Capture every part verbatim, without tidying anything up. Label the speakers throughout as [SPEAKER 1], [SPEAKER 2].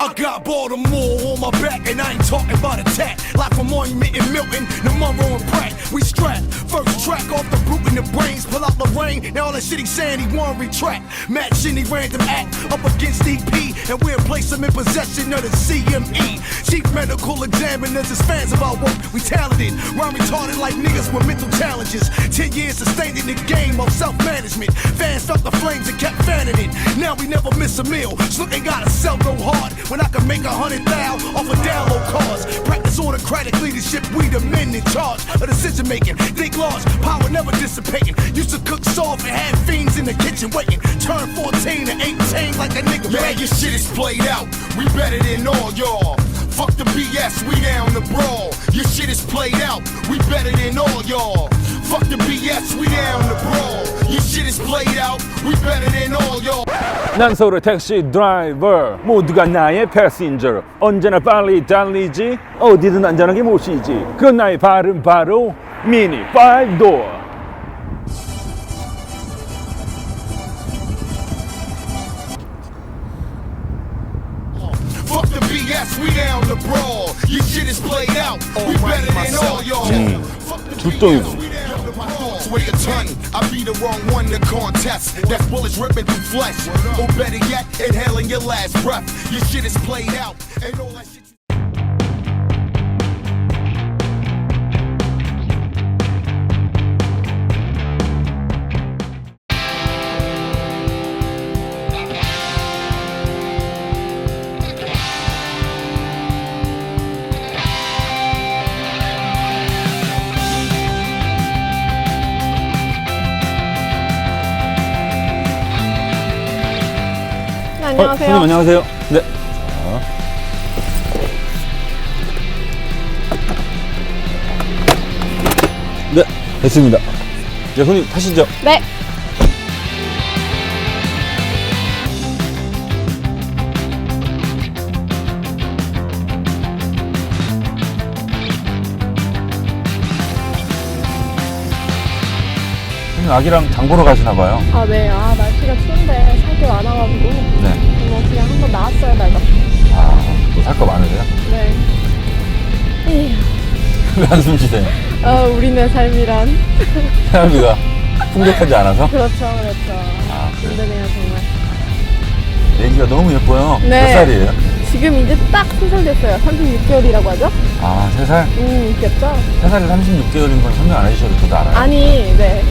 [SPEAKER 1] I got Baltimore on my back, and I ain't talking about attack. Like from Monument and Milton, the Monroe and Pratt. We strapped, first track off the brute in the brains. Pull out Lorraine, now all that shit he saying he won't retract. Match any random act up against E P, and we'll place him in possession of the C M E. Chief medical examiners is fans of our work. We talented, rhyme retarded like niggas with mental challenges. Ten years sustained in the game of self-management. Fans felt the flames and kept fanning it. Now we never miss a meal. So they gotta sell go hard when I can make a hundred thou off of download cars. Practice autocratic leadership, we the men in charge of decision making. Think large, power never dissipating. Used to cook soft and had fiends in the kitchen waiting. Turn fourteen to eighteen like a nigga. Man, your shit is played out. We better than all y'all. Fuck the B S, we down the brawl. Your shit is played out. We better than all y'all. Fuck the B S, we down the brawl. Your shit is played out. We better than all y'all.
[SPEAKER 2] 난 서울의 택시 드라이버, 모두가 나의 패신저. 언제나 빨리 달리지, 어디든 안전하게 모시지. 그건 나의 발은 바로 미니 파이브 도어.
[SPEAKER 1] Fuck the B S, we down the brawl. Your shit is played out. We better than all y'all. Fuck the B S, we down the brawl. Weigh a ton. I be the wrong one to contest. That's bullets ripping through flesh. Or better yet, inhaling your last breath. Your shit is played out. And all that shit.
[SPEAKER 2] 어,
[SPEAKER 3] 안녕하세요.
[SPEAKER 2] 손님 안녕하세요. 네. 자. 네, 됐습니다. 네, 손님 타시죠.
[SPEAKER 3] 네.
[SPEAKER 2] 손님 아기랑 장 보러 가시나 봐요.
[SPEAKER 3] 아, 네. 아, 날씨가 추운데 살 게 많아가지고.
[SPEAKER 2] 네.
[SPEAKER 3] 뭐 그냥 한번 나왔어요, 날도.
[SPEAKER 2] 아, 또 살 거 많으세요?
[SPEAKER 3] 네. 에휴.
[SPEAKER 2] 왜 한숨 쉬세요?
[SPEAKER 3] 어, 우리네 삶이란.
[SPEAKER 2] 생활비가 풍족하지 않아서?
[SPEAKER 3] 그렇죠, 그렇죠.
[SPEAKER 2] 아, 그래요?
[SPEAKER 3] 힘드네요, 정말.
[SPEAKER 2] 애기가 너무 예뻐요.
[SPEAKER 3] 네.
[SPEAKER 2] 몇 살이에요?
[SPEAKER 3] 지금 이제 딱 세 살 됐어요. 삼십육 개월이라고 하죠?
[SPEAKER 2] 아, 세 살?
[SPEAKER 3] 음, 귀엽죠?
[SPEAKER 2] 세 살이 삼십육 개월인 건 설명 안 해주셔도 저도 알아요.
[SPEAKER 3] 아니, 네.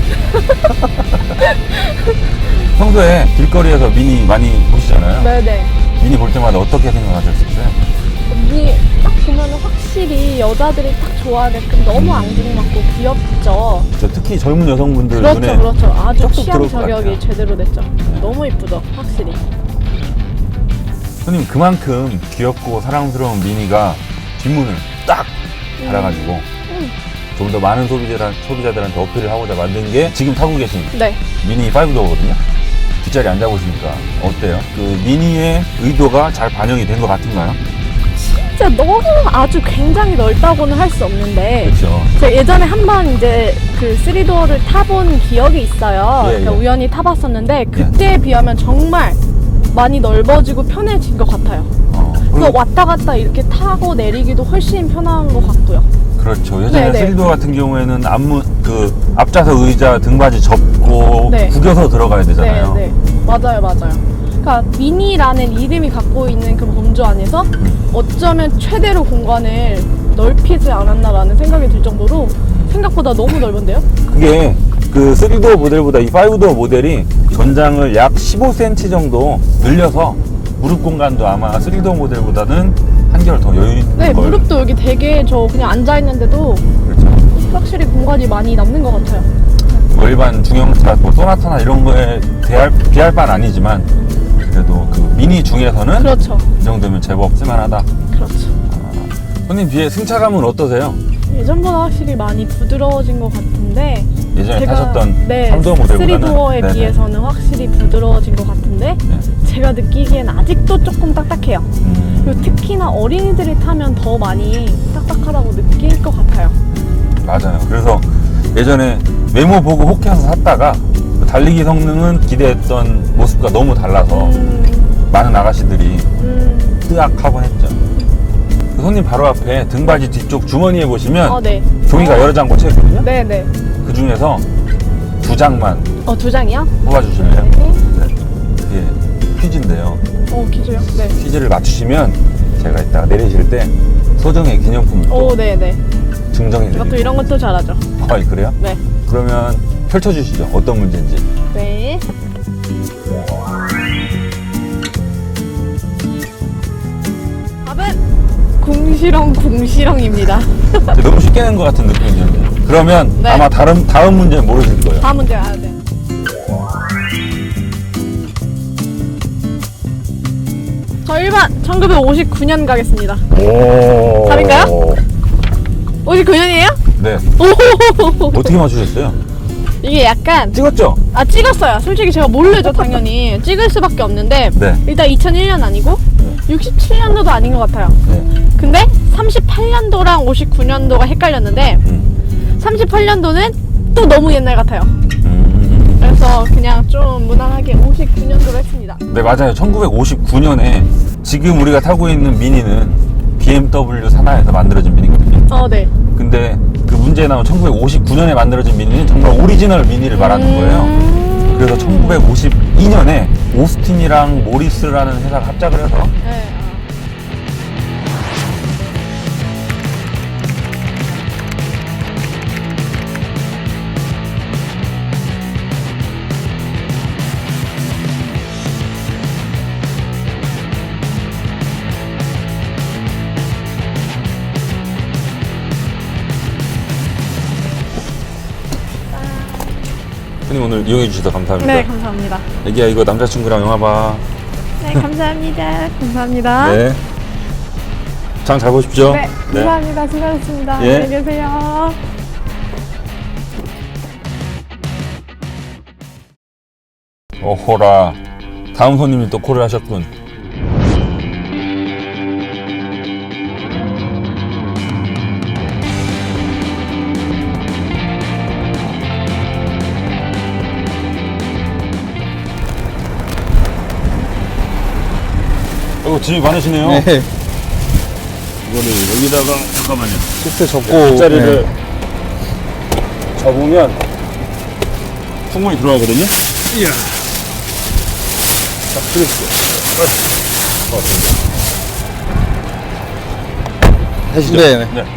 [SPEAKER 2] 평소에 길거리에서 미니 많이 보시잖아요.
[SPEAKER 3] 네네.
[SPEAKER 2] 미니 볼 때마다 어떻게 생각하셨어요?
[SPEAKER 3] 언니 딱 보면은 확실히 여자들이 딱 좋아하게끔 너무 앙증맞고 귀엽죠?
[SPEAKER 2] 저 특히 젊은 여성분들
[SPEAKER 3] 그렇죠,
[SPEAKER 2] 눈에
[SPEAKER 3] 그렇죠. 아주
[SPEAKER 2] 쏙쏙
[SPEAKER 3] 취향
[SPEAKER 2] 들어올 것
[SPEAKER 3] 저격이
[SPEAKER 2] 같아요.
[SPEAKER 3] 제대로 됐죠. 너무 이쁘죠, 확실히.
[SPEAKER 2] 손님 그만큼 귀엽고 사랑스러운 미니가 뒷문을 딱 달아가지고
[SPEAKER 3] 음.
[SPEAKER 2] 좀 더 많은 소비자들, 소비자들한테 어필을 하고자 만든 게 지금 타고 계신
[SPEAKER 3] 네.
[SPEAKER 2] 미니 파이브 도어거든요. 뒷자리 앉아보시니까 어때요? 그 미니의 의도가 잘 반영이 된 것 같은가요?
[SPEAKER 3] 진짜 너무 아주 굉장히 넓다고는 할 수 없는데
[SPEAKER 2] 그렇죠.
[SPEAKER 3] 제가 예전에 한번 이제 그 쓰리도어를 타본 기억이 있어요.
[SPEAKER 2] 예,
[SPEAKER 3] 그러니까
[SPEAKER 2] 예.
[SPEAKER 3] 우연히 타봤었는데 그때에 비하면 정말 많이 넓어지고 편해진 것 같아요.
[SPEAKER 2] 어,
[SPEAKER 3] 그래서
[SPEAKER 2] 그리고
[SPEAKER 3] 왔다 갔다 이렇게 타고 내리기도 훨씬 편한 것 같고요.
[SPEAKER 2] 그렇죠. 예전에
[SPEAKER 3] 네네.
[SPEAKER 2] 쓰리도어 같은 경우에는 앞문 그 앞좌석 의자 등받이 접고
[SPEAKER 3] 네.
[SPEAKER 2] 구겨서 들어가야 되잖아요.
[SPEAKER 3] 네, 네. 맞아요, 맞아요. 그러니까 미니라는 이름이 갖고 있는 그 범주 안에서 어쩌면 최대로 공간을 넓히지 않았나라는 생각이 들 정도로 생각보다 너무 넓은데요?
[SPEAKER 2] 그게 그 쓰리도어 모델보다 이 파이브도어 모델이 전장을 약 십오 센티미터 정도 늘려서 무릎 공간도 아마 쓰리도어 모델보다는 한결 더 여유 있는
[SPEAKER 3] 네,
[SPEAKER 2] 걸.
[SPEAKER 3] 무릎도 여기 되게 저 그냥 앉아있는데도
[SPEAKER 2] 그렇죠.
[SPEAKER 3] 확실히 공간이 많이 남는 것 같아요.
[SPEAKER 2] 뭐 일반 중형차, 뭐 소나타나 이런 거에 대할, 비할 바는 아니지만 그래도 그 미니 중에서는
[SPEAKER 3] 그렇죠.
[SPEAKER 2] 이 정도면 제법 쓸만하다.
[SPEAKER 3] 그렇죠.
[SPEAKER 2] 손님 뒤에 승차감은 어떠세요?
[SPEAKER 3] 예전보다 확실히 많이 부드러워진 것 같은데
[SPEAKER 2] 예전에 타셨던
[SPEAKER 3] 네,
[SPEAKER 2] 삼 도어 모델보다는
[SPEAKER 3] 쓰리도어에
[SPEAKER 2] 네네.
[SPEAKER 3] 비해서는 확실히 부드러워진 것 같은데
[SPEAKER 2] 네.
[SPEAKER 3] 제가 느끼기엔 아직도 조금 딱딱해요.
[SPEAKER 2] 음,
[SPEAKER 3] 그리고 특히나 어린이들이 타면 더 많이 딱딱하다고 느낄 것 같아요.
[SPEAKER 2] 맞아요. 그래서 예전에 메모 보고 혹해서 샀다가 달리기 성능은 기대했던 모습과 너무 달라서
[SPEAKER 3] 음,
[SPEAKER 2] 많은 아가씨들이
[SPEAKER 3] 음,
[SPEAKER 2] 으악 하곤 했죠. 그 손님 바로 앞에 등받이 뒤쪽 주머니에 보시면
[SPEAKER 3] 어, 네.
[SPEAKER 2] 종이가 여러 장 꽂혀 있거든요.
[SPEAKER 3] 네네.
[SPEAKER 2] 그 중에서 두 장만
[SPEAKER 3] 어, 두 장이요?
[SPEAKER 2] 뽑아주실래요?
[SPEAKER 3] 네.
[SPEAKER 2] 이게 퀴즈인데요.
[SPEAKER 3] 어, 퀴즈요? 네.
[SPEAKER 2] 퀴즈를 맞추시면 제가 이따가 내리실 때 소정의 기념품을 또
[SPEAKER 3] 오, 네네.
[SPEAKER 2] 증정해
[SPEAKER 3] 제가 또
[SPEAKER 2] 드릴게요.
[SPEAKER 3] 이런 것도 잘하죠.
[SPEAKER 2] 아, 그래요?
[SPEAKER 3] 네.
[SPEAKER 2] 그러면 펼쳐주시죠. 어떤 문제인지.
[SPEAKER 3] 네. 답은 궁시렁 궁시렁입니다.
[SPEAKER 2] 너무 쉽게 낸 것 같은 느낌이 드는데. 그러면
[SPEAKER 3] 네.
[SPEAKER 2] 아마 다른 다음 문제는 모르실 거예요.
[SPEAKER 3] 다음 문제 가야 돼. 저 일 번 천구백오십구 년 가겠습니다.
[SPEAKER 2] 오.
[SPEAKER 3] 답인가요? 오십구 년이에요?
[SPEAKER 2] 네.
[SPEAKER 3] 오.
[SPEAKER 2] 어떻게 맞추셨어요?
[SPEAKER 3] 이게 약간
[SPEAKER 2] 찍었죠?
[SPEAKER 3] 아 찍었어요. 솔직히 제가 모르죠 당연히. 찍을 수밖에 없는데
[SPEAKER 2] 네.
[SPEAKER 3] 일단 이천일 년 아니고 육십칠 년도도 아닌 것 같아요.
[SPEAKER 2] 네.
[SPEAKER 3] 근데 삼십팔 년도랑 오십구 년도가 헷갈렸는데
[SPEAKER 2] 음.
[SPEAKER 3] 삼십팔 년도는 또 너무 옛날 같아요.
[SPEAKER 2] 음.
[SPEAKER 3] 그래서 그냥 좀 무난하게 오십구 년도로 했습니다.
[SPEAKER 2] 네, 맞아요. 천구백오십구 년에 지금 우리가 타고 있는 미니는 비엠더블유 산하에서 만들어진 미니거든요.
[SPEAKER 3] 어, 네.
[SPEAKER 2] 근데 그 문제에 나온 천구백오십구 년에 만들어진 미니는 정말 오리지널 미니를 말하는 거예요.
[SPEAKER 3] 음...
[SPEAKER 2] 그래서 천구백오십이 년에 오스틴이랑 모리스라는 회사가 합작을 해서
[SPEAKER 3] 네.
[SPEAKER 2] 형님 오늘 이용해 주셔서 감사합니다.
[SPEAKER 3] 네, 감사합니다.
[SPEAKER 2] 애기야 이거 남자친구랑 영화 봐.
[SPEAKER 3] 네, 감사합니다. 감사합니다.
[SPEAKER 2] 네. 장 잘 보십시오.
[SPEAKER 3] 네, 감사합니다. 수고하셨습니다.
[SPEAKER 2] 예.
[SPEAKER 3] 안녕히 계세요.
[SPEAKER 2] 어호라. 다음 손님이 또 콜을 하셨군. 어, 짐이 많으시네요.
[SPEAKER 4] 네,
[SPEAKER 2] 이거를 여기다가 잠깐만요.
[SPEAKER 4] 시트 접고
[SPEAKER 2] 뒷자리를
[SPEAKER 4] 네.
[SPEAKER 2] 접으면 충분히 들어가거든요. 이야. 자, 들으시죠. 하시죠.
[SPEAKER 4] 네, 네.
[SPEAKER 2] 네.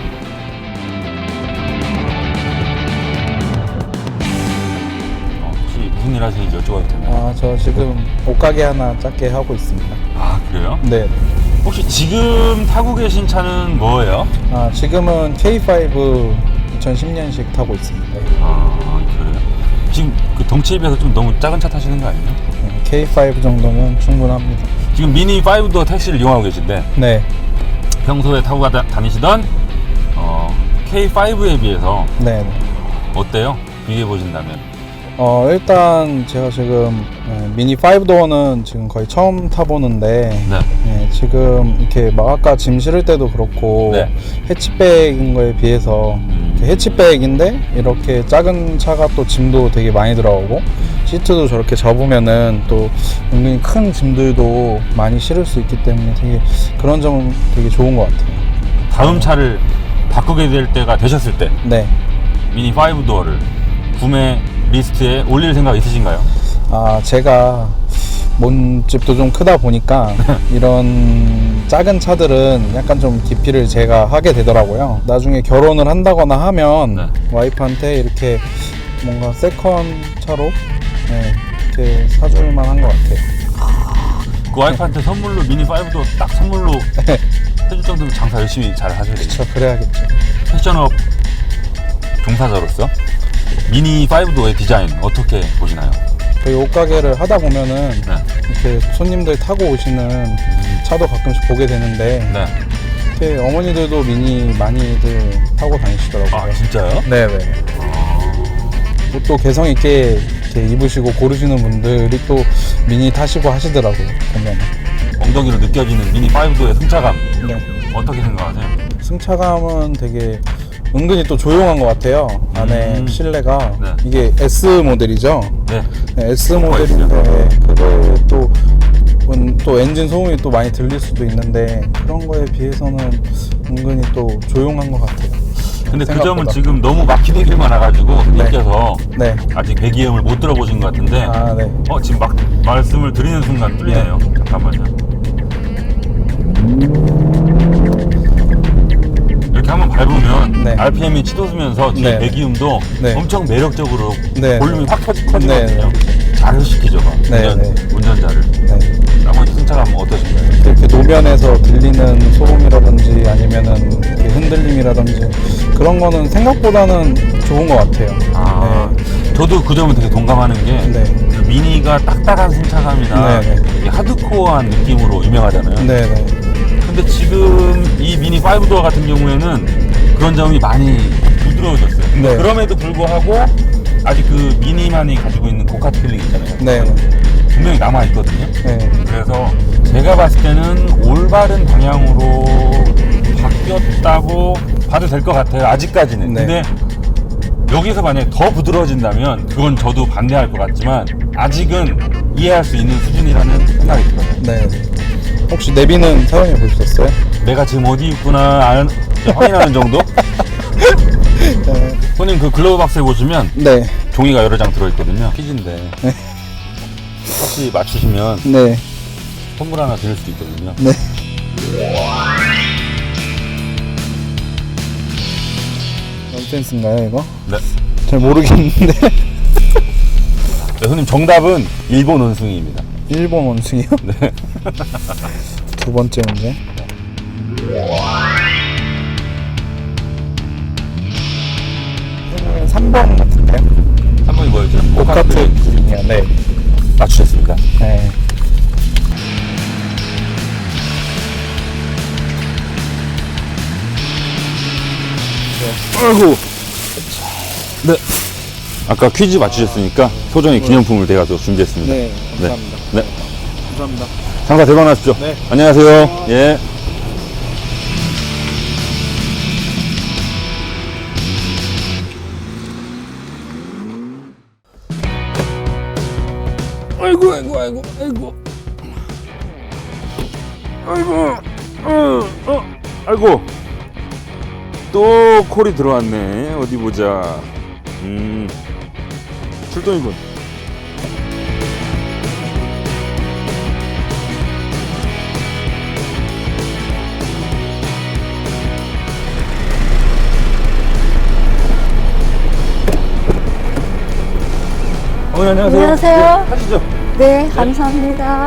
[SPEAKER 2] 어, 혹시 무슨 일 하시는지 여쭤봐도 되나요?
[SPEAKER 4] 아, 저 지금 옷가게 하나 작게 하고 있습니다.
[SPEAKER 2] 아, 그래요?
[SPEAKER 4] 네.
[SPEAKER 2] 혹시 지금 타고 계신 차는 뭐예요?
[SPEAKER 4] 아, 지금은 케이 파이브 이천십 년식 타고 있습니다.
[SPEAKER 2] 아, 그래요? 지금 그 덩치에 비해서 좀 너무 작은 차 타시는 거 아니에요?
[SPEAKER 4] 네, 케이 파이브 정도면 충분합니다.
[SPEAKER 2] 지금 미니 파이브도 택시를 이용하고 계신데
[SPEAKER 4] 네,
[SPEAKER 2] 평소에 타고 가다, 다니시던 어, 케이 파이브에 비해서
[SPEAKER 4] 네. 네.
[SPEAKER 2] 어때요? 비교해 보신다면.
[SPEAKER 4] 어, 일단 제가 지금 네, 미니 파이브 도어는 지금 거의 처음 타보는데
[SPEAKER 2] 네.
[SPEAKER 4] 네, 지금 이렇게 막 아까 짐 실을 때도 그렇고
[SPEAKER 2] 네.
[SPEAKER 4] 해치백인 거에 비해서
[SPEAKER 2] 음.
[SPEAKER 4] 이렇게 해치백인데 이렇게 작은 차가 또 짐도 되게 많이 들어가고 시트도 저렇게 접으면은 또 은근히 큰 짐들도 많이 실을 수 있기 때문에 되게 그런 점은 되게 좋은 것 같아요.
[SPEAKER 2] 다음 차를 바꾸게 될 때가 되셨을 때
[SPEAKER 4] 네.
[SPEAKER 2] 미니 파이브 도어를 구매 리스트에 올릴 생각 있으신가요?
[SPEAKER 4] 아, 제가 몸집도 좀 크다 보니까 이런 작은 차들은 약간 좀 기피를 제가 하게 되더라고요. 나중에 결혼을 한다거나 하면
[SPEAKER 2] 네.
[SPEAKER 4] 와이프한테 이렇게 뭔가 세컨 차로 네, 이렇게 사줄 만한 것 같아요.
[SPEAKER 2] 그 와이프한테 선물로 미니 파이브 도어 딱 선물로 해줄 정도로 장사 열심히 잘 하셔야 돼요.
[SPEAKER 4] 그쵸, 그래야겠죠.
[SPEAKER 2] 패션업 종사자로서 미니 파이브 도어의 디자인 어떻게 보시나요?
[SPEAKER 4] 저희 옷가게를 하다 보면은
[SPEAKER 2] 네.
[SPEAKER 4] 이렇게 손님들 타고 오시는 차도 가끔씩 보게 되는데
[SPEAKER 2] 네.
[SPEAKER 4] 이렇게 어머니들도 미니 많이들 타고 다니시더라고요.
[SPEAKER 2] 아, 진짜요?
[SPEAKER 4] 네네. 옷도 개성 있게 이렇게 입으시고 고르시는 분들이 또 미니 타시고 하시더라고요. 보면.
[SPEAKER 2] 엉덩이로 느껴지는 미니 파이브 도어의 승차감
[SPEAKER 4] 네.
[SPEAKER 2] 어떻게 생각하세요?
[SPEAKER 4] 승차감은 되게 은근히 또 조용한 것 같아요. 안에
[SPEAKER 2] 음.
[SPEAKER 4] 실내가
[SPEAKER 2] 네.
[SPEAKER 4] 이게 S 모델이죠.
[SPEAKER 2] 네.
[SPEAKER 4] 네, S 모델인데 그게 또 은- 또 엔진 소음이 또 많이 들릴 수도 있는데 그런 거에 비해서는 은근히 또 조용한 것 같아요.
[SPEAKER 2] 근데 그
[SPEAKER 4] 생각보다.
[SPEAKER 2] 점은 지금 너무 막히는 길 많아가지고 흔들려서
[SPEAKER 4] 네.
[SPEAKER 2] 아직 배기음을 못 들어보신 것 같은데
[SPEAKER 4] 아, 네.
[SPEAKER 2] 어 지금 막 말씀을 드리는 순간 뚫리네요. 잠깐만요. 이렇게 한번 밟으면
[SPEAKER 4] 네.
[SPEAKER 2] 알피엠이 치솟으면서 뒤에
[SPEAKER 4] 네.
[SPEAKER 2] 배기음도
[SPEAKER 4] 네.
[SPEAKER 2] 엄청 매력적으로
[SPEAKER 4] 네.
[SPEAKER 2] 볼륨이 확 커지, 커지거든요.
[SPEAKER 4] 네.
[SPEAKER 2] 자극시키죠, 막.
[SPEAKER 4] 네.
[SPEAKER 2] 운전,
[SPEAKER 4] 네.
[SPEAKER 2] 운전자를.
[SPEAKER 4] 네.
[SPEAKER 2] 나머지 승차감 어떠신가요?
[SPEAKER 4] 이렇게 노면에서 들리는 소음이라든지 아니면은 이렇게 흔들림이라든지 그런 거는 생각보다는 좋은 것 같아요.
[SPEAKER 2] 아,
[SPEAKER 4] 네.
[SPEAKER 2] 저도 그 점은 되게 동감하는 게
[SPEAKER 4] 네.
[SPEAKER 2] 그 미니가 딱딱한 승차감이나
[SPEAKER 4] 네, 네.
[SPEAKER 2] 되게 하드코어한 느낌으로 유명하잖아요.
[SPEAKER 4] 네, 네.
[SPEAKER 2] 근데 지금 이 미니 파이브 도어 같은 경우에는 그런 점이 많이 부드러워졌어요. 근데
[SPEAKER 4] 네.
[SPEAKER 2] 그럼에도 불구하고 아직 그 미니만이 가지고 있는 고카트 필링 있잖아요.
[SPEAKER 4] 네.
[SPEAKER 2] 분명히 남아있거든요.
[SPEAKER 4] 네.
[SPEAKER 2] 그래서 제가 봤을 때는 올바른 방향으로 바뀌었다고 봐도 될 것 같아요. 아직까지는.
[SPEAKER 4] 네.
[SPEAKER 2] 근데 여기서 만약에 더 부드러워진다면 그건 저도 반대할 것 같지만 아직은 이해할 수 있는 수준이라는 생각이 들어요.
[SPEAKER 4] 네. 혹시 내비는 사용해 보셨어요?
[SPEAKER 2] 내가 지금 어디 있구나 알- 확인하는 정도?
[SPEAKER 4] 네.
[SPEAKER 2] 손님 그 글러브 박스에 보시면
[SPEAKER 4] 네.
[SPEAKER 2] 종이가 여러 장 들어있거든요. 퀴즈인데 혹시 맞추시면
[SPEAKER 4] 네.
[SPEAKER 2] 선물 하나 드릴 수도 있거든요.
[SPEAKER 4] 네. 넌센스인가요, 이거?
[SPEAKER 2] 네.
[SPEAKER 4] 잘 모르겠는데.
[SPEAKER 2] 네, 손님 정답은 일본 원숭이입니다.
[SPEAKER 4] 일본 원숭이요?
[SPEAKER 2] 네.
[SPEAKER 4] 두 번째 문제. 삼 번 같은데요?
[SPEAKER 2] 한 번이 뭐였죠?
[SPEAKER 4] 고카트.
[SPEAKER 2] 고카트.
[SPEAKER 4] 네.
[SPEAKER 2] 맞추셨습니다.
[SPEAKER 4] 네.
[SPEAKER 2] 아이고. 네. 아까 퀴즈 맞추셨으니까 소정의 기념품을 제가 또 준비했습니다.
[SPEAKER 4] 네. 감사합니다.
[SPEAKER 2] 네.
[SPEAKER 4] 감사합니다.
[SPEAKER 2] 장사 대박 나십시오.
[SPEAKER 4] 네.
[SPEAKER 2] 안녕하세요. 예. 아이고 아이고 아이고 아이고 아이고 어, 어 아이고 또 콜이 들어왔네. 어디 보자. 음 출동이군. 어머니 안녕하세요.
[SPEAKER 5] 안녕하세요.
[SPEAKER 2] 네, 하시죠.
[SPEAKER 5] 네, 감사합니다.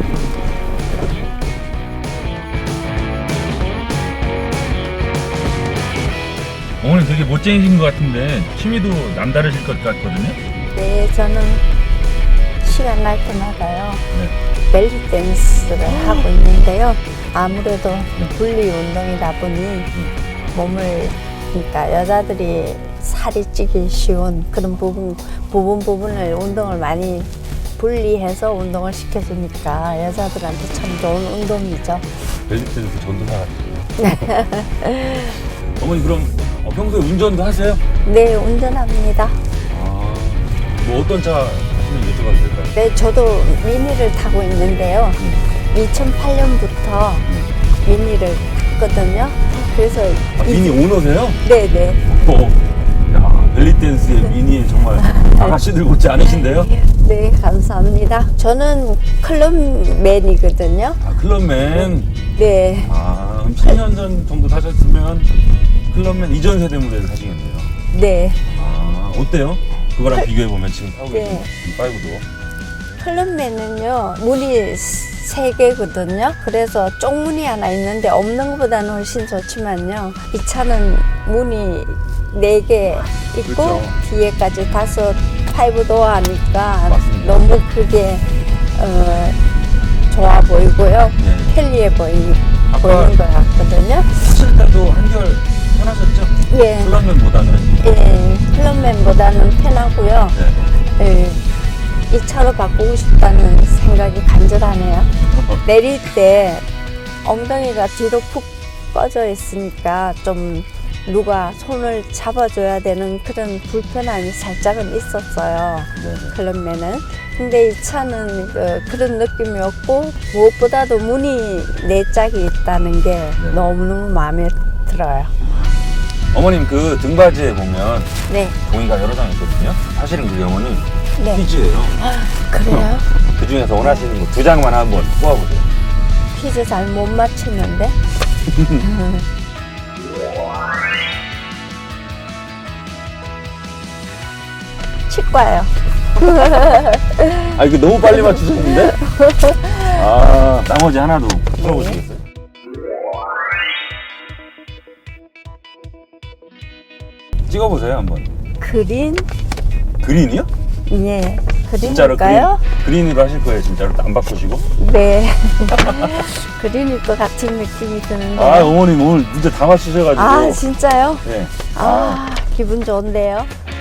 [SPEAKER 2] 어머니 되게 멋쟁이신 것 같은데 취미도 남다르실 것 같거든요.
[SPEAKER 5] 네, 저는 시간 날 때마다요.
[SPEAKER 2] 네.
[SPEAKER 5] 벨리 댄스를 하고 있는데요. 아무래도 분리 운동이다 보니 몸을, 그러니까 여자들이 살이 찌기 쉬운 그런 부분, 부분 부분을 운동을 많이 분리해서 운동을 시켜주니까 여자들한테 참 좋은 운동이죠.
[SPEAKER 2] 벨리댄스 전도사 같아요. 어머니 그럼 어, 평소에 운전도 하세요?
[SPEAKER 5] 네, 운전합니다.
[SPEAKER 2] 아, 뭐 어떤 차 하시는지 여쭤봐도 될까요?
[SPEAKER 5] 네, 저도 미니를 타고 있는데요. 이천팔 년부터 미니를 탔거든요. 그래서
[SPEAKER 2] 아, 미니 오너세요?
[SPEAKER 5] 네네.
[SPEAKER 2] 어, 야, 벨리댄스의 미니에 정말 아가씨들 못지 않으신데요?
[SPEAKER 5] 네, 감사합니다. 저는 클럽맨이거든요.
[SPEAKER 2] 아, 클럽맨.
[SPEAKER 5] 네.
[SPEAKER 2] 아, 그럼 십 년 전 정도 타셨으면 클럽맨 이전 세대 모델을 타시겠네요.
[SPEAKER 5] 네.
[SPEAKER 2] 아, 어때요? 그거랑 비교해보면 지금 타고
[SPEAKER 5] 네.
[SPEAKER 2] 계신 이 파이브도.
[SPEAKER 5] 클럽맨은요, 문이 세 개거든요. 그래서 쪽문이 하나 있는데 없는 것보다는 훨씬 좋지만요. 이 차는 문이 네 개 있고
[SPEAKER 2] 그렇죠.
[SPEAKER 5] 뒤에까지 다섯 파이브 도어 하니까
[SPEAKER 2] 맞습니다.
[SPEAKER 5] 너무 그게 어, 좋아 보이고요.
[SPEAKER 2] 네.
[SPEAKER 5] 편리해 보이,
[SPEAKER 2] 아까-
[SPEAKER 5] 보이는 것 같거든요.
[SPEAKER 2] 타실 때도 한결 편하셨죠?
[SPEAKER 5] 예,
[SPEAKER 2] 클럽맨보다는.
[SPEAKER 5] 예, 클럽맨보다는 편하고요.
[SPEAKER 2] 네.
[SPEAKER 5] 예, 이 차로 바꾸고 싶다는 생각이 간절하네요. 내릴 때 엉덩이가 뒤로 푹 꺼져 있으니까 좀 누가 손을 잡아줘야 되는 그런 불편함이 살짝은 있었어요. 클럽맨은. 근데 이 차는 그, 그런 느낌이 없고 무엇보다도 문이 네 짝이 있다는 게 너무너무 마음에 들어요.
[SPEAKER 2] 어머님 그 등받이에 보면
[SPEAKER 5] 네.
[SPEAKER 2] 종이가 여러 장 있거든요. 사실은 그게 어머님
[SPEAKER 5] 네.
[SPEAKER 2] 퀴즈예요.
[SPEAKER 5] 그래요?
[SPEAKER 2] 그 중에서 원하시는 거 두 장만 한번 뽑아보세요.
[SPEAKER 5] 퀴즈 잘 못 맞추는데. 치과요.
[SPEAKER 2] 아 이거 너무 빨리 맞추셨는데? 아 나머지 하나도 풀어보시겠어요? 찍어보세요 한번.
[SPEAKER 5] 그린?
[SPEAKER 2] 그린이요?
[SPEAKER 5] 예.
[SPEAKER 2] 진짜로 그린,
[SPEAKER 5] 그린일까요?
[SPEAKER 2] 그린으로 하실 거예요 진짜로 안 바꾸시고?
[SPEAKER 5] 네. 그린일 것 같은 느낌이 드는데.
[SPEAKER 2] 아 어머님 오늘 진짜 다 맞추셔가지고.
[SPEAKER 5] 아, 진짜요?
[SPEAKER 2] 네.
[SPEAKER 5] 아, 기분 좋은데요?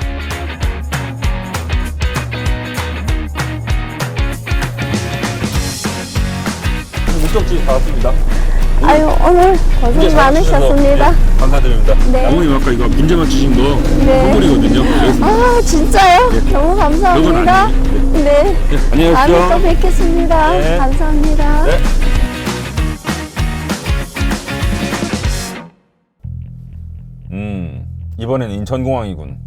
[SPEAKER 2] 목적지 다 왔습니다.
[SPEAKER 5] 아유, 오늘 고생 많으셨습니다.
[SPEAKER 2] 네, 감사드립니다.
[SPEAKER 5] 네.
[SPEAKER 2] 어머님 아까 이거 문제 맞추신 거
[SPEAKER 5] 네.
[SPEAKER 2] 선물이거든요. 그래서
[SPEAKER 5] 아, 진짜요? 너무 감사합니다.
[SPEAKER 2] 그건
[SPEAKER 5] 네.
[SPEAKER 2] 네, 안녕히
[SPEAKER 5] 다음에 또
[SPEAKER 2] 계십시오.
[SPEAKER 5] 뵙겠습니다.
[SPEAKER 2] 네.
[SPEAKER 5] 감사합니다.
[SPEAKER 2] 네. 음 이번엔 인천공항이군.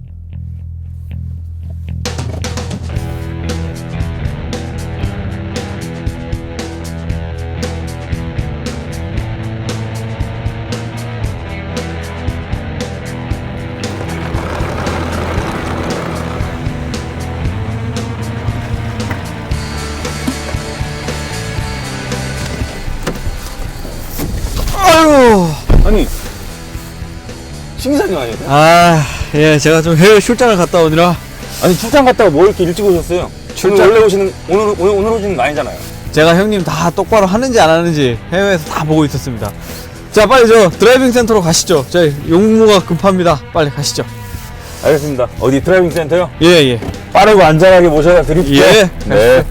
[SPEAKER 6] 아유,
[SPEAKER 2] 아니 신기상이 아니에요?
[SPEAKER 6] 아, 예, 제가 좀 해외 출장을 갔다 오느라
[SPEAKER 2] 아니 출장 갔다가 뭐 이렇게 일찍 오셨어요?
[SPEAKER 6] 출장-
[SPEAKER 2] 오늘 원래 오시는 오늘 오늘 오늘 오시는 거 아니잖아요.
[SPEAKER 6] 제가 형님 다 똑바로 하는지 안 하는지 해외에서 다 보고 있었습니다. 자, 빨리 저 드라이빙 센터로 가시죠. 저 용무가 급합니다. 빨리 가시죠.
[SPEAKER 2] 알겠습니다. 어디 드라이빙 센터요?
[SPEAKER 6] 예, 예.
[SPEAKER 2] 빠르고 안전하게 모셔다 드릴게요.
[SPEAKER 6] 예.
[SPEAKER 2] 네.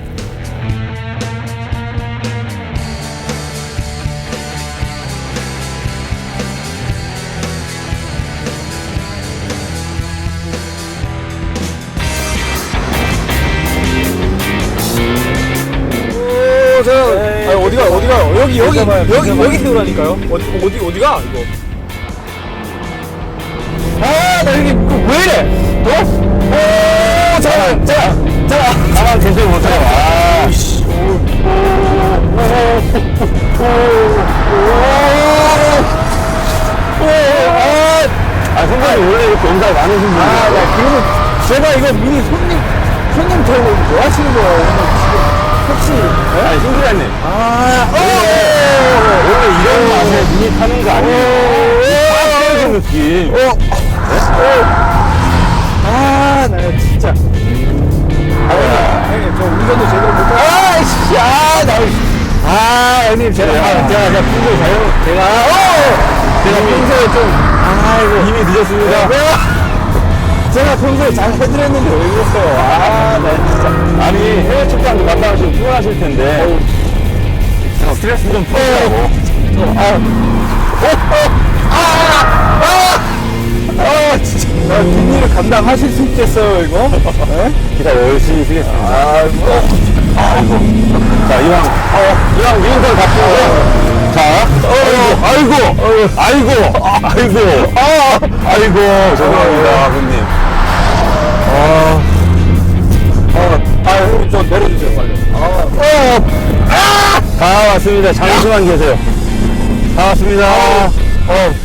[SPEAKER 6] 오, 저, 아, 어디가, 어디가, 여기, 여기,
[SPEAKER 2] 잠깐만요,
[SPEAKER 6] 여기,
[SPEAKER 2] 잠깐만요.
[SPEAKER 6] 여기 세우라니까요. 어디, 어디, 어디가, 이거. 아, 나 여기, 그, 왜 이래? 어? 오, 잠깐, 잠깐, 잠깐.
[SPEAKER 2] 가만 계세요 보세요. 아, 씨. 아, 선생님 원래 이렇게 연락 많으신 분이에요.
[SPEAKER 6] 아, 나 그러면 제가 이거 미니 손님, 손님 태우고 뭐 하시는 거예요? 오늘 지금 혹시,
[SPEAKER 2] 아니, 신기자님.
[SPEAKER 6] 아,
[SPEAKER 2] 원래 이런 맛에 눈이 타는 거 아니에요? 빡 때리는 느낌.
[SPEAKER 6] 어, 어, 아, 나 진짜. 아, 형님, 저 운전도 제대로 못하고. 아, 씨, 아, 나, 아, 형님, 제가,
[SPEAKER 2] 제가,
[SPEAKER 6] 제가, 제가 평소에 잘, 제가, 어! 제가 평소에 좀, 아이고.
[SPEAKER 2] 이미 늦었습니다.
[SPEAKER 6] 제가 평소에 잘 해드렸는데 왜 그랬어요? 아, 나 진짜.
[SPEAKER 2] 아니, 해외 출장도 갔다 오시면 피곤하실 텐데. 어, 스트레스 좀 풀으라고.
[SPEAKER 6] 아, 진짜. 아, 뒷일을 감당하실 수 있겠어요, 이거? 네?
[SPEAKER 2] 기타 열심히 쓰겠습니다.
[SPEAKER 6] 아이고.
[SPEAKER 2] 아이고. 자, 이왕, 어, 이왕 미인선 바꾸고. 자, 어, 아이고, 아이고, 아이고, 아, 아이고, 죄송합니다, 아버님.
[SPEAKER 6] 아, 아, 아, 좀 내려주세요, 빨리. 아,
[SPEAKER 2] 어, 아! 다 왔습니다. 잠시만 계세요. 다 왔습니다. 어.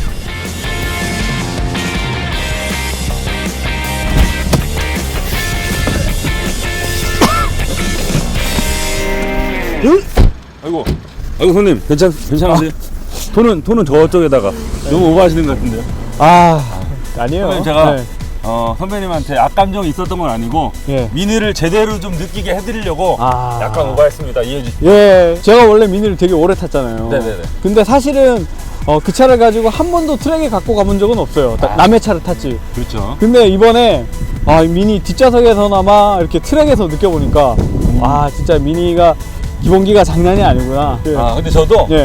[SPEAKER 2] 아이고, 아이고 손님, 괜찮, 괜찮으세요? 돈은 돈은 저쪽에다가 너무 오버하시는 것 같은데요.
[SPEAKER 6] 아, 아니에요.
[SPEAKER 2] 선생님, 제가
[SPEAKER 6] 네.
[SPEAKER 2] 어, 선배님한테 악감정이 있었던 건 아니고
[SPEAKER 6] 예.
[SPEAKER 2] 미니를 제대로 좀 느끼게 해드리려고
[SPEAKER 6] 아.
[SPEAKER 2] 약간 오버했습니다. 이해해 주시죠.
[SPEAKER 6] 예, 제가 원래 미니를 되게 오래 탔잖아요.
[SPEAKER 2] 네네네.
[SPEAKER 6] 근데 사실은 어, 그 차를 가지고 한 번도 트랙에 갖고 가본 적은 없어요. 딱
[SPEAKER 2] 아.
[SPEAKER 6] 남의 차를 탔지.
[SPEAKER 2] 그렇죠.
[SPEAKER 6] 근데 이번에 아, 미니 뒷좌석에서나마 이렇게 트랙에서 느껴보니까 아, 진짜 미니가 기본기가 장난이 아니구나.
[SPEAKER 2] 아 근데 저도
[SPEAKER 6] 예.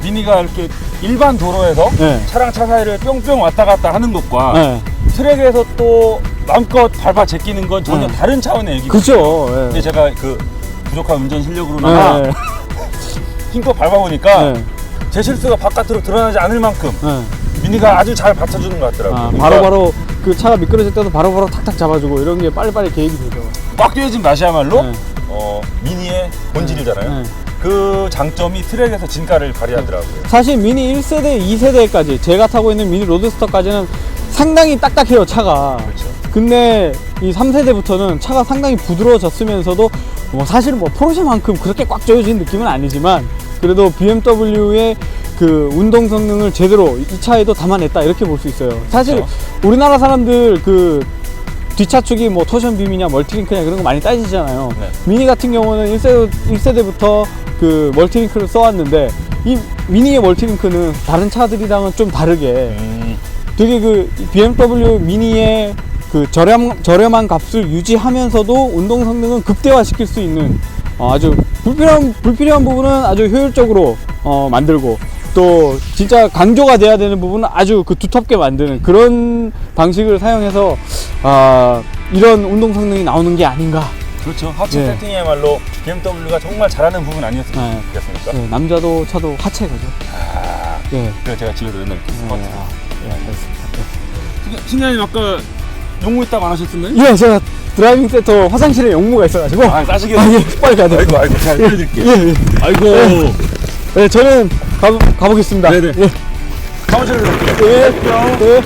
[SPEAKER 2] 미니가 이렇게 일반 도로에서
[SPEAKER 6] 네.
[SPEAKER 2] 차랑 차 사이를 뿅뿅 왔다 갔다 하는 것과
[SPEAKER 6] 네.
[SPEAKER 2] 트랙에서 또 마음껏 밟아 제끼는 건 전혀
[SPEAKER 6] 네.
[SPEAKER 2] 다른 차원의 얘기거든요.
[SPEAKER 6] 그죠.
[SPEAKER 2] 근데
[SPEAKER 6] 예.
[SPEAKER 2] 제가 그 부족한 운전 실력으로나마
[SPEAKER 6] 네.
[SPEAKER 2] 힘껏 밟아보니까
[SPEAKER 6] 네.
[SPEAKER 2] 제 실수가 바깥으로 드러나지 않을 만큼
[SPEAKER 6] 네.
[SPEAKER 2] 미니가 아주 잘 받쳐주는 것 같더라고요.
[SPEAKER 6] 아,
[SPEAKER 2] 그러니까
[SPEAKER 6] 바로바로 그 차가 미끄러질 때도 바로바로 탁탁 잡아주고 이런 게 빨리빨리 계획이 되죠.
[SPEAKER 2] 꽉 조여진 맛이야말로
[SPEAKER 6] 네.
[SPEAKER 2] 어, 미니의 본질이잖아요.
[SPEAKER 6] 네.
[SPEAKER 2] 그 장점이 트랙에서 진가를 발휘하더라고요.
[SPEAKER 6] 사실 미니 일 세대, 이 세대까지 제가 타고 있는 미니 로드스터까지는 상당히 딱딱해요, 차가.
[SPEAKER 2] 그렇죠.
[SPEAKER 6] 근데 이 삼 세대부터는 차가 상당히 부드러워졌으면서도 뭐 사실 뭐 포르쉐만큼 그렇게 꽉 조여진 느낌은 아니지만 그래도 비엠더블유의 그 운동 성능을 제대로 이 차에도 담아냈다 이렇게 볼 수 있어요. 사실
[SPEAKER 2] 그렇죠.
[SPEAKER 6] 우리나라 사람들 그 뒷차축이 뭐 토션 빔이냐 멀티링크냐 그런 거 많이 따지잖아요.
[SPEAKER 2] 네.
[SPEAKER 6] 미니 같은 경우는 일 세대, 일 세대부터 그 멀티링크를 써왔는데 이 미니의 멀티링크는 다른 차들이랑은 좀 다르게
[SPEAKER 2] 음,
[SPEAKER 6] 되게 그 비엠더블유 미니의 그 저렴, 저렴한 값을 유지하면서도 운동 성능은 극대화시킬 수 있는 어, 아주 불필요한, 불필요한 부분은 아주 효율적으로 어, 만들고 또 진짜 강조가 돼야 되는 부분은 아주 그 두텁게 만드는 그런 방식을 사용해서 아, 이런 운동 성능이 나오는 게 아닌가.
[SPEAKER 2] 그렇죠. 하체
[SPEAKER 6] 네.
[SPEAKER 2] 세팅이야말로 비엠더블유가 정말 잘하는 부분 아니었겠습니까?
[SPEAKER 6] 네, 남자도 차도 하체가죠.
[SPEAKER 2] 아,
[SPEAKER 6] 네.
[SPEAKER 2] 그래서 제가 집에서 맨날 이렇게 스쿼트.
[SPEAKER 6] 네, 아, 예, 알겠습니다.
[SPEAKER 2] 신장님 아까 용무했다고 안 하셨었나요?
[SPEAKER 6] 예, 제가 드라이빙 센터 화장실에 용무가 있어가지고.
[SPEAKER 2] 아, 따시게.
[SPEAKER 6] 아, 예, 빨리 가야 돼요.
[SPEAKER 2] 아이고, 아이고, 잘 해드릴게요.
[SPEAKER 6] 예, 예.
[SPEAKER 2] 아이고.
[SPEAKER 6] 네, 저는 가, 가보겠습니다.
[SPEAKER 2] 네네.
[SPEAKER 6] 예.
[SPEAKER 2] 사무실로 갈게요.
[SPEAKER 6] 예. 예.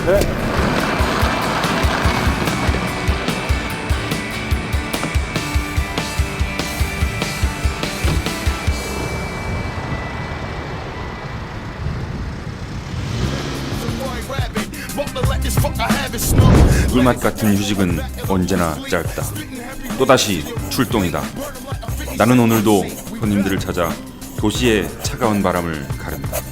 [SPEAKER 7] 꿀맛 같은 휴식은 언제나 짧다. 또다시 출동이다. 나는 오늘도 손님들을 찾아 도시의 차가운 바람을 가른다.